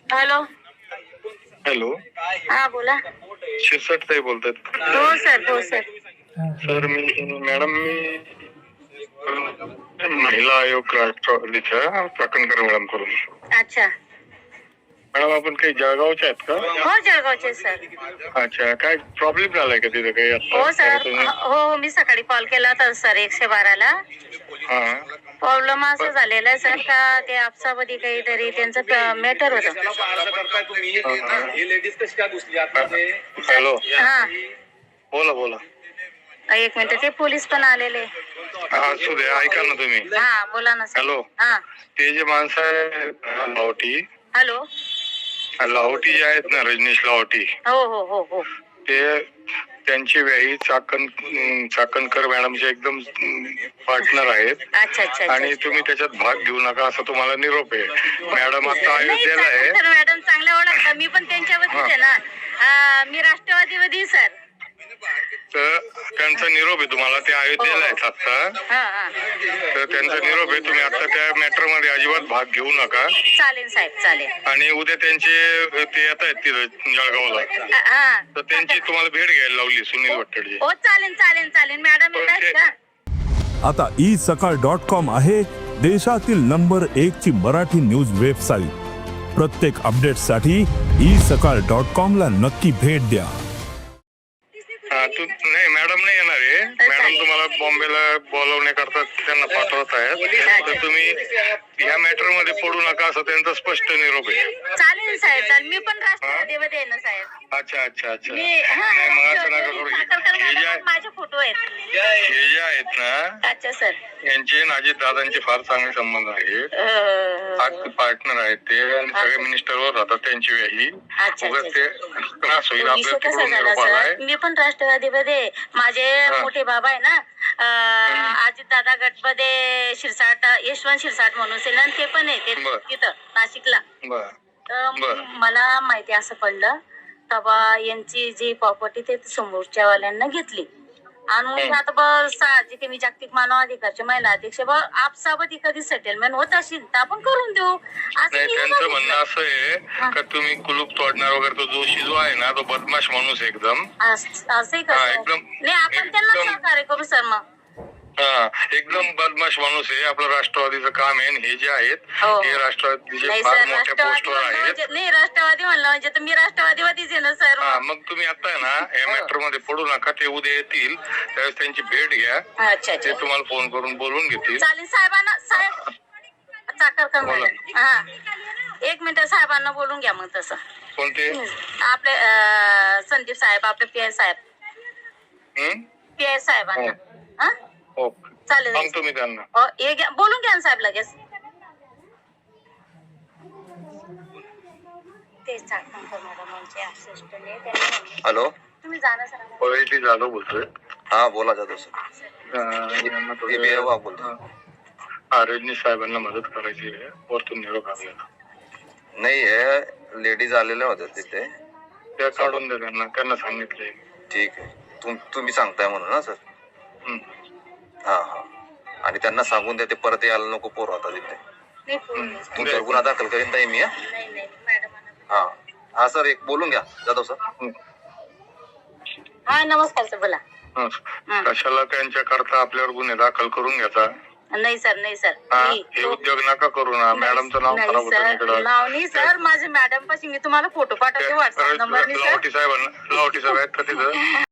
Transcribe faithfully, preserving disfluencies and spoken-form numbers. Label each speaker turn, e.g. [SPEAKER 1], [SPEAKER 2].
[SPEAKER 1] Hello
[SPEAKER 2] hello,
[SPEAKER 1] हा बोला.
[SPEAKER 2] शिरसाट ताई बोलतात.
[SPEAKER 1] हो सर हो सर.
[SPEAKER 2] सर मी मॅडम मी महिला आयोग राष्ट्रवादीच्या चाकणकर मॅडम करून.
[SPEAKER 1] अच्छा.
[SPEAKER 2] मॅडम आपण काही जळगावच्या आहेत का?
[SPEAKER 1] हो जळगावचे सर.
[SPEAKER 2] अच्छा, काय प्रॉब्लेम झालाय का तिथे काही आता?
[SPEAKER 1] हो सर. हो हो मी सकाळी कॉल केला होता सर एकशे बाराला.
[SPEAKER 2] हा
[SPEAKER 1] प्रॉब्लेम असं झालेला आहे सर का ते आपसामध्ये काहीतरी त्यांचं मॅटर होतं.
[SPEAKER 2] हॅलो,
[SPEAKER 1] हा
[SPEAKER 2] बोला बोला.
[SPEAKER 1] एक मिनिट, ते पोलीस पण आलेले.
[SPEAKER 2] हा असू दे, ऐका ना तुम्ही.
[SPEAKER 1] हा बोला ना सर.
[SPEAKER 2] हॅलो,
[SPEAKER 1] हा
[SPEAKER 2] ते जे माणसं आहे लाहोटी,
[SPEAKER 1] हॅलो
[SPEAKER 2] लाहोटी जे आहेत ना, रजनीश लाहोटी,
[SPEAKER 1] हो हो हो हो
[SPEAKER 2] ते त्यांची व्याही चाकण चाकणकर मॅडमचे एकदम पार्टनर आहेत.
[SPEAKER 1] अच्छा अच्छा.
[SPEAKER 2] आणि तुम्ही त्याच्यात भाग घेऊ नका असं तुम्हाला निरोप आहे. मॅडम आता अयोध्येला आहे.
[SPEAKER 1] मॅडम चांगल्या ओळखता, मी पण त्यांच्यावरतीच आहे ना. मी राष्ट्रवादीवादी सर.
[SPEAKER 2] तर त्यांचा निरोप आहे तुम्हाला, ते अयोध्येला आहेत आता. तर त्यांचा निरोप आहे, तुम्ही आता त्या मॅटर मध्ये अजिबात भाग घेऊ नका.
[SPEAKER 1] चालेल साहेब चालेल.
[SPEAKER 2] आणि उद्या त्यांचे ते येत आहेत तिथं जळगावला, तर त्यांची तुम्हाला भेट घ्यायला लावली सुनील वट्टडजी.
[SPEAKER 1] हो चालेल चालेल चालेल. मॅडम येत आहेत का?
[SPEAKER 3] आता ई सकाळ डॉट कॉम आहे देशातील नंबर एक ची मराठी न्यूज वेबसाईट. प्रत्येक अपडेटसाठी ई सकाळ डॉट कॉम ला नक्की भेट द्या.
[SPEAKER 2] हा तू नाही, मॅडम नाही येणार आहे. मॅडम तुम्हाला बॉम्बेला बोलवण्याकरता त्यांना पाठवत आहेत. तर तुम्ही या मॅटर मध्ये पडू नका असं त्यांचा स्पष्ट निरोप आहे.
[SPEAKER 1] चालेल साहेब चालेल. मी पण राष्ट्रवादीमध्ये आहे ना साहेब.
[SPEAKER 2] अच्छा अच्छा अच्छा.
[SPEAKER 1] मी हा
[SPEAKER 2] नाही मग असं नका करू. हे जे
[SPEAKER 1] माझे फोटो आहेत.
[SPEAKER 2] हे जे आहेत ना,
[SPEAKER 1] अच्छा सर,
[SPEAKER 2] यांचे अजित दादांचे फार चांगले संबंध आहेत. पार्टनर आहेत ते, आणि सगळे मिनिस्टरवर राहतात त्यांची व्याही. ते त्रास होईल आपल्याला तिकडून निरोप आलाय.
[SPEAKER 1] मी पण राष्ट्रवादीमध्ये, माझे मोठे बाबा आहे ना अजित दादा गटमध्ये शिरसाट, यशवंत शिरसाट म्हणून सेना, ते पण आहे तिथं नाशिकला. तर मला माहिती असं पडलं तेव्हा यांची जी प्रॉपर्टी ते समोरच्या वाल्यांना घेतली. आणि आता बघ साहजिक मी जागतिक मानव अधिकारचे महिला अध्यक्ष, बघ आपसाबती कधी सेटलमेंट होत असेल तर आपण करून देऊ.
[SPEAKER 2] नाही, त्यांचं म्हणणं असं आहे का तुम्ही कुलूप तोडणार वगैरे, तो जोशी जो आहे ना तो बदमाश माणूस एकदम
[SPEAKER 1] असंही का एकदम. नाही आपण त्यांना सहकार्य करू सर. मग
[SPEAKER 2] हा एकदम बदमाश माणूस आहे. आपलं राष्ट्रवादीचं काम आहे. हे जे आहेत हे राष्ट्रवादीचे फार मोठ्या पोस्टवर आहेत.
[SPEAKER 1] नाही राष्ट्रवादी म्हणलं म्हणजे तर मी राष्ट्रवादीवादीच आहे ना सर.
[SPEAKER 2] हा मग तुम्ही आता आहे ना या मॅटर मध्ये पडू नका. ते उद्या येतील त्यावेळेस त्यांची भेट घ्या.
[SPEAKER 1] अच्छा ते
[SPEAKER 2] तुम्हाला फोन करून बोलून घेतील.
[SPEAKER 1] चालेल साहेबांना. साहेब चाकणकर मॅडम, हा एक मिनिट, साहेबांना बोलून घ्या मग. तसं
[SPEAKER 2] कोणते
[SPEAKER 1] आपले संदीप साहेब, आपले पी आय साहेब, पी आय साहेबांना. हा चालेल,
[SPEAKER 2] सांगतो मी त्यांना.
[SPEAKER 1] बोलून घ्या ना साहेब लगेच. ते चाकणकर मॅडमांचे असिस्टंट.
[SPEAKER 4] हॅलो,
[SPEAKER 1] तुम्ही जाणं सर.
[SPEAKER 2] पवेटी जाधव बोलतोय.
[SPEAKER 4] हा बोला जाधव सर.
[SPEAKER 2] बोलतो. हा रजनीश साहेबांना मदत करायची आहे. वरतून निरोप आपल्याला
[SPEAKER 4] नाही आहे, लेडीज आलेल्या होत्या तिथे.
[SPEAKER 2] त्या काढून द्या त्यांना. त्यांना सांगितलंय.
[SPEAKER 4] ठीक आहे, तुम तुम्ही सांगताय म्हणून ना सर. हा हा. आणि त्यांना सांगून द्या ते परत यायला नको पोर होता तिथे. तुमच्यावर गुन्हा दाखल करीन ताई मी. हा हा सर, एक बोलून घ्या जाधव सर.
[SPEAKER 1] हा नमस्कार सर, बोला.
[SPEAKER 2] कशाला त्यांच्या करता आपल्यावर गुन्हे दाखल करून घ्यायचा?
[SPEAKER 1] नाही सर, नाही सर,
[SPEAKER 2] हे उद्योग नका करू ना. मॅडमचं नाव खराब होतं.
[SPEAKER 1] नाव नाही सर, माझे मॅडम पाशी मी तुम्हाला फोटो पाठवते व्हॉट्सअप नंबर.
[SPEAKER 2] लाहोटी साहेबांना, लाहोटी साहेब आहेत का तिथं?